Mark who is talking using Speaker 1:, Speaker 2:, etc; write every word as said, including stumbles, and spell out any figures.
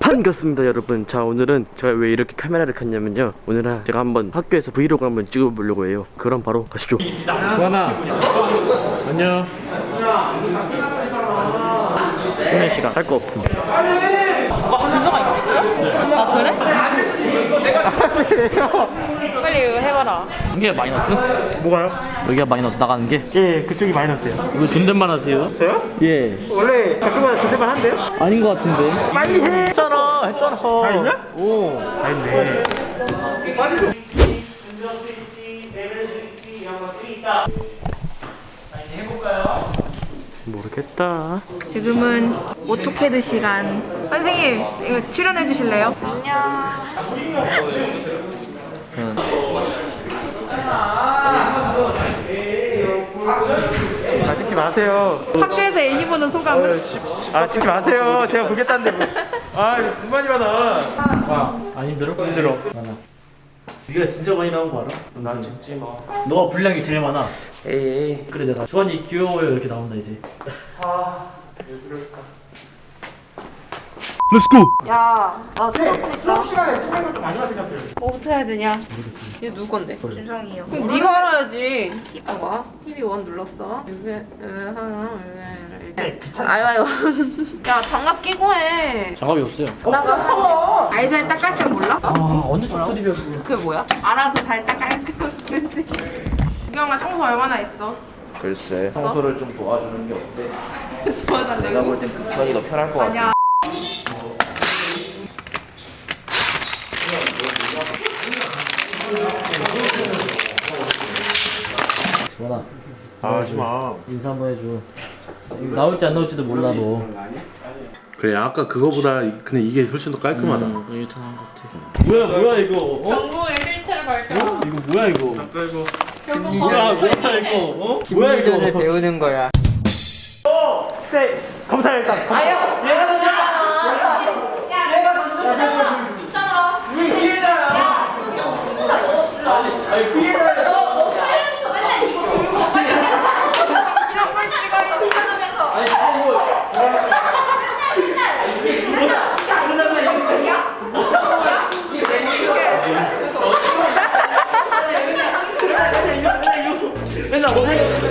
Speaker 1: 반갑습니다 여러분. 자, 오늘은 제가 왜 이렇게 카메라를 켰냐면요, 오늘은 제가 한번 학교에서 브이로그 한번 찍어보려고 해요. 그럼 바로 가시죠.
Speaker 2: 수환아 안녕.
Speaker 1: 쉬는 시간 할 거 없습니다.
Speaker 3: 준서가 있겠죠? 아 그래? 빨리 이거 해봐라.
Speaker 1: 이게 마이너스?
Speaker 2: 뭐가요?
Speaker 1: 여기가 마이너스 나가는 게?
Speaker 2: 예, 그쪽이 마이너스예요.
Speaker 1: 이거 존댓말 하세요?
Speaker 2: 저요?
Speaker 1: 예.
Speaker 2: 원래 가끔마다 존댓말 한대요?
Speaker 1: 아닌 것 같은데.
Speaker 2: 빨리 해.
Speaker 1: 했잖아 했잖아.
Speaker 2: 다 했냐?
Speaker 1: 오.
Speaker 2: 다 했네.
Speaker 1: 모르겠다.
Speaker 4: 지금은 오토캐드 시간. 선생님, 이거 출연해 주실래요?
Speaker 2: 아, 찍지 마세요.
Speaker 4: 학교에서 애니 보는 소감은?
Speaker 2: 아, 찍지 마세요. 제가 보겠다는데 뭐. 아, 이거 불만이 많아.
Speaker 1: 와, 안 힘들어?
Speaker 2: 힘들어.
Speaker 1: 많아. 네가 진짜 많이 나온 거 알아?
Speaker 2: 난 찍지 마.
Speaker 1: 너가 분량이 제일 많아.
Speaker 2: 에이.
Speaker 1: 그래, 내가 주환이 귀여워요 이렇게 나온다 이제.
Speaker 2: 아, 왜 그럴까?
Speaker 4: 야, 나 수업
Speaker 2: 수업 시간에 찍는 걸 좀 아니라 생각해요.
Speaker 4: 뭐부터 해야 되냐? 얘 누구 건데? 준성이요. 그럼 네가 알아야지. 봐봐. 티비 원 눌렀어. 이게 하나, 이게
Speaker 2: 귀찮아.
Speaker 4: 아유 아유. 야, 장갑 끼고 해.
Speaker 1: 장갑이 없어요.
Speaker 4: 나가. 알잘 닦을 줄 몰라?
Speaker 1: 아, 언제 족들이면
Speaker 4: 그게 뭐야? 알아서 잘 닦을 거 없지. 유경아 청소 얼마나 했어?
Speaker 5: 글쎄, 청소를 좀 도와주는 게 어때? 내가
Speaker 4: 도와달라고?
Speaker 5: 볼 땐 북선이 더 편할 것 같아.
Speaker 4: 아니야.
Speaker 1: 주환아,
Speaker 6: 아, 하지 마.
Speaker 1: 인사 한번 해줘. 이거 나올지 안 나올지도 몰라 너.
Speaker 6: 그래, 아까 그거보다 이- 근데 이게 훨씬 더 깔끔하다.
Speaker 1: 유턴한 것 같아. 뭐야 뭐야 이거? 어?
Speaker 3: 전공의 실체를 밝혀.
Speaker 1: 이거 뭐야 이거?
Speaker 2: 그리고
Speaker 3: 결국
Speaker 1: 뭐야 뭐야 이거? 어? 뭐야 이거?
Speaker 2: 배우는 거야. 오! 세! 검사 일단. 검사. 아야! 얘가 던져! 얘가 던져! 있잖아! 왜 피해자야? 아니, 피해자야! 맨날 오늘